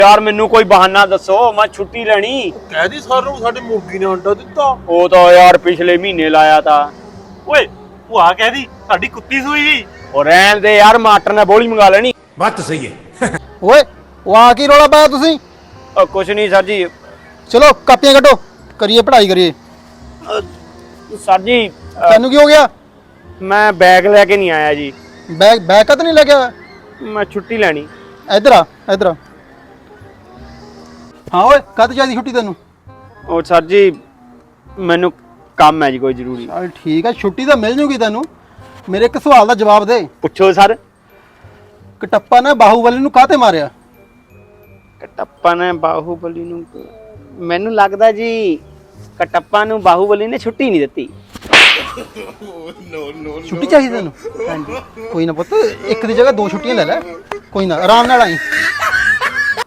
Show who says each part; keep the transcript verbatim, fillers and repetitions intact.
Speaker 1: यार मैनू कोई बहाना दसो, मैं छुट्टी लेनी।
Speaker 2: कह दी सारू साडी मुर्गी ने अंडा दिता।
Speaker 1: वो तो यार पिछले महीने लाया था।
Speaker 2: ओए भूआ कह दी साडी कुत्ती सूई।
Speaker 1: और रहन दे यार, मास्टर ने बोली मंगा लेनी।
Speaker 3: बात तो सही है।
Speaker 4: ओए वो आ की रौला पाया तुसीं?
Speaker 1: ओ, कुछ नहीं सर जी।
Speaker 4: चलो कापियां कटो, करिए पढ़ाई करिए।
Speaker 1: सर जी
Speaker 4: तेनू की हो गया?
Speaker 1: मैं बैग लेके नहीं आया जी।
Speaker 4: बैग बैग का तो नहीं लेके आया?
Speaker 1: मैं छुट्टी लेनी।
Speaker 4: इधर आ इधर आ। हाँ ओए कद चाहिए छुट्टी तेनू?
Speaker 1: और सर जी मैनू काम है जी कोई जरूरी।
Speaker 4: चल ठीक है, छुट्टी तो मिल जूगी तेनू। मेरे एक सवाल का जवाब दे।
Speaker 1: पुछो सर।
Speaker 4: कटप्पा ने बाहुबली नू काहते मारिया?
Speaker 1: कटप्पा ने बाहुबली नू, मैनू लगदा जी कटप्पा नू बाहुबली ने छुट्टी नहीं दिती।
Speaker 4: छुट्टी चाहिए तेनू? कोई ना पुत्त, एक दी जगह दो छुट्टियां ले ले। कोई ना आराम नाल आई।